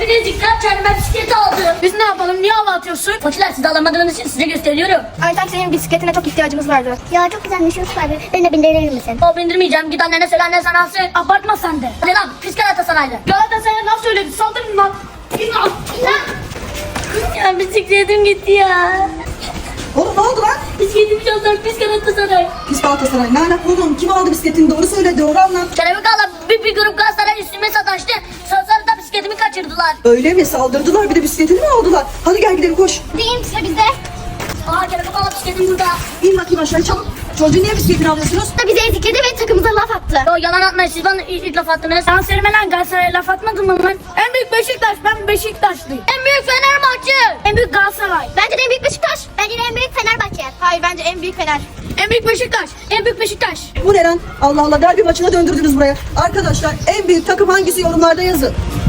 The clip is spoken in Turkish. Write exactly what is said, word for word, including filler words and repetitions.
Hepiniz dikkat, kendime bisiklet aldım. Biz ne yapalım? Niye hava atıyorsun? Koçlar, siz alamadığınız için size gösteriyorum. Ayten senin bisikletine çok ihtiyacımız vardı. Ya çok güzelmiş Yusuf abi. Beni de bindirir misin? O bindirmeyeceğim. Git annene söyle, annen sana alsın. Abartma sen de. Hadi lan, pis Galatasaraylı. Galatasaray'a laf söyledi. Saldırın lan. İn lan. Ya bisikletim gitti ya. Oğlum ne oldu lan? Bisikletimi çaldılar, pis Galatasaray. Pis Galatasaray. Ne alaka oğlum? Kim aldı bisikletini? Doğru söyle. Doğru anlat. Kelebek ağla bir, bir grup Galatasaray üstüme sataştı. Sonra da bisikletimi kaçırdılar. Öyle mi? Saldırdılar bir de bisikletini mi aldılar? Hadi gel gidelim koş. Değil size bize. Aa, kelebek ağla bisikletim burada. İn bakayım aşağı çabuk. Çocuğun niye bisikletini alıyorsunuz? Da bize ezikledi ve takımıza laf attı. Yo, yalan atmayın, siz bana ilk, ilk laf attınız. Sen söyleme lan, Galatasaray'a laf atmadın mı lan? En büyük Beşiktaş. Ben Beşiktaşlıyım. En büyük Fenerbahçe. En büyük Galatasaray. Bence de en büyük Beşiktaş. Bence de en büyük Fenerbahçe. Hayır, bence en büyük Fener. En büyük Beşiktaş. En büyük Beşiktaş. Bu ne lan? Allah Allah derbi maçına döndürdünüz buraya. Arkadaşlar en büyük takım hangisi yorumlarda yazın.